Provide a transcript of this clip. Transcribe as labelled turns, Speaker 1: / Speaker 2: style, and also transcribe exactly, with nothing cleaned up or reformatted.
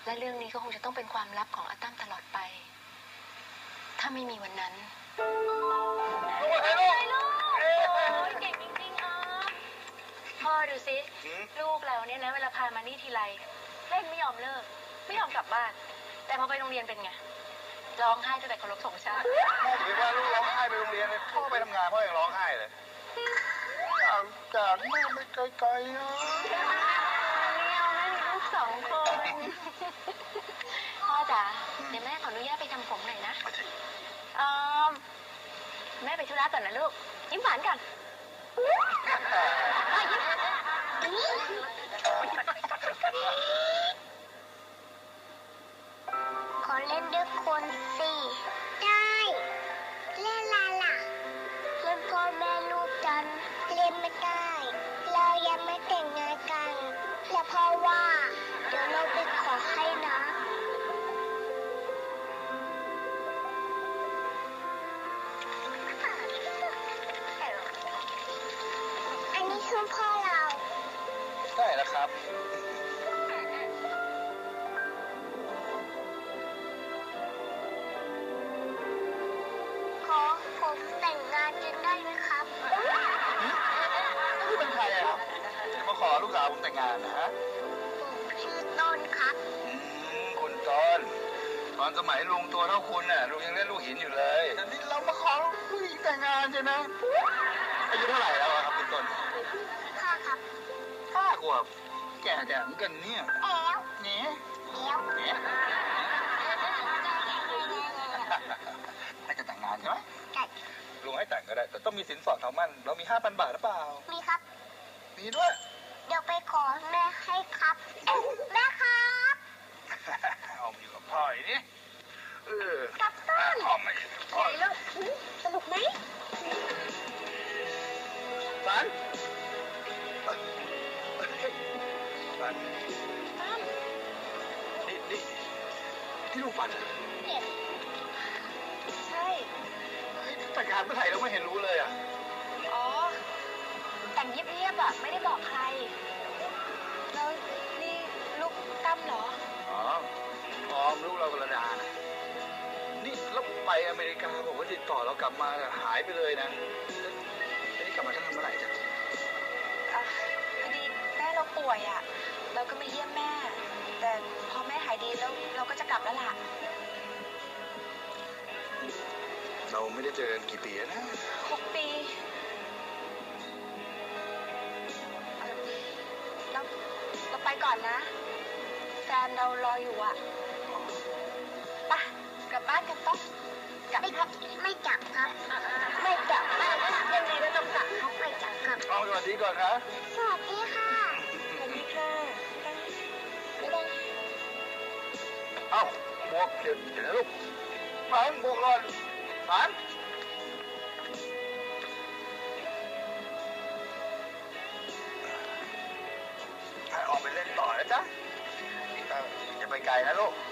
Speaker 1: และเรื่องนี้ก็คงจะต้องเป็นความลับของอาตั้มตลอดไปถ้าไม่มีวันนั้น
Speaker 2: ลูกอะไรลูก
Speaker 1: โอ้ยเก่งจริงๆอ๋อพ่อดูสิลูกเราเนี่ยนะเวลาพามานี่ทีไรเล่นไม่ยอมเลิกไม่ยอมกลับบ้านแต่พอไปโรงเรียนเป็นไงร้องไห้ตั้งแต่เคารพธงชาติ
Speaker 2: แม่ถือว่าลูกร้องไห้ไปโรงเรียนเลยพ่อไปทำงานพ่อยังร้องไห้เลยจากแม่ไม่ไกลๆอ่ะ
Speaker 1: ไม่เอาแม่มีลูกสองคนพ่อจ๋าเดี๋ยวแม่ขออนุญาตไปทำผมหน่อยนะอ่าแม่ไปธุระก่อนนะลูกยิ้มหวานกัน
Speaker 3: ขอเล่นด้วยคนสิได้เล่นอะไรล่ะเล่นพ่อแม่ลูกกันเล่นไม่ได้เรายังไม่แต่งงานกันแล้วพ่อว่าเดี๋ยวเราไปขอให้นะอันนี้คือพ่อเรา
Speaker 2: ได้แล้วครับ
Speaker 3: ขอผมแต่งงานกันได้ไหมครับ
Speaker 2: นี่เป็นใครอะครับจะมาขอลูกสาวผมแต่งงานนะฮะ
Speaker 3: ผมชื่อต้นครับ
Speaker 2: อืมคุณต้นตอนสมัยลุงตัวเท่าคุณน่ะลุงยังเล่นลูกหินอยู่เลยแต่นี่เรามาขอผู้หญิงแต่งงานใช่ไหมอายุเท่าไหร่แล้วครับคุณต้น
Speaker 3: ห้าครับ
Speaker 2: ห้าขวบแก่แต่เหมือนกันเนี่ย
Speaker 3: แล้ว
Speaker 2: เนี่ย
Speaker 3: แล้ว
Speaker 2: เนี่ยให้จะแต่งงานใช่ไหม
Speaker 3: ใช่
Speaker 2: ลุงให้แต่งก็ได้แต่ต้องมีสินสอดทองมั่นเรามีห้าพันบาทหรือเปล่า
Speaker 3: มีครับ
Speaker 2: มีด้วย
Speaker 3: เดี๋ยวไปขอแม่ให้ครับแม่ครับ
Speaker 2: เอาอยู่กับพ่ออย่างนี้เออ
Speaker 3: กับต้น
Speaker 2: พ่อไม่พ่อ
Speaker 3: ลูกสนุกไหม
Speaker 2: ฝันฝันนี่นี่ที่ลูกฝัน
Speaker 1: ใช่
Speaker 2: แต่งงานเมื่อไหร่เราไม่เห็นรู้เลยอ่ะ
Speaker 1: อ๋อแต่งเยียบๆอ่ะไม่ได้บอกใครแล้วนี่ลูกตั้มเหรอ
Speaker 2: อ๋อพร้อมลูกเรากระดานะนี่เราไปอเมริกาบอกว่าติดต่อเรากลับมาหายไปเลยนะนี่กลับมาทำเมื่อไหร่จ๊ะ
Speaker 1: พอดีแม่เราป่วยอ่ะเราก็มาเยี่ยมแม่แต่พอแม่หายดีแล้วเราก็จะกลับแล้วล่ะ
Speaker 2: เราไม่ได้เจอกันกี่ปีนะ
Speaker 1: หกปีเราเราไปก่อนนะแฟนเรารออยู่อ่ะไปกลับบ้านกันต้องกลับ
Speaker 3: ไม่ครับไม่กลับครับไม่กลับบ้านยังไงก็ต้องกลับครับไม่กลับครับ
Speaker 2: เอาสวัสดีก่อนครับ
Speaker 3: สวัสดีค่ะ
Speaker 1: สวัสดีค่ะ
Speaker 3: ไม่ได้
Speaker 2: เอ้าหมวกเดี๋ยวเดี๋ยวลูกฝันหมวกก่อนฝันออกไปเล่นต่อนะจ๊ะอย่าไปไกลนะลูก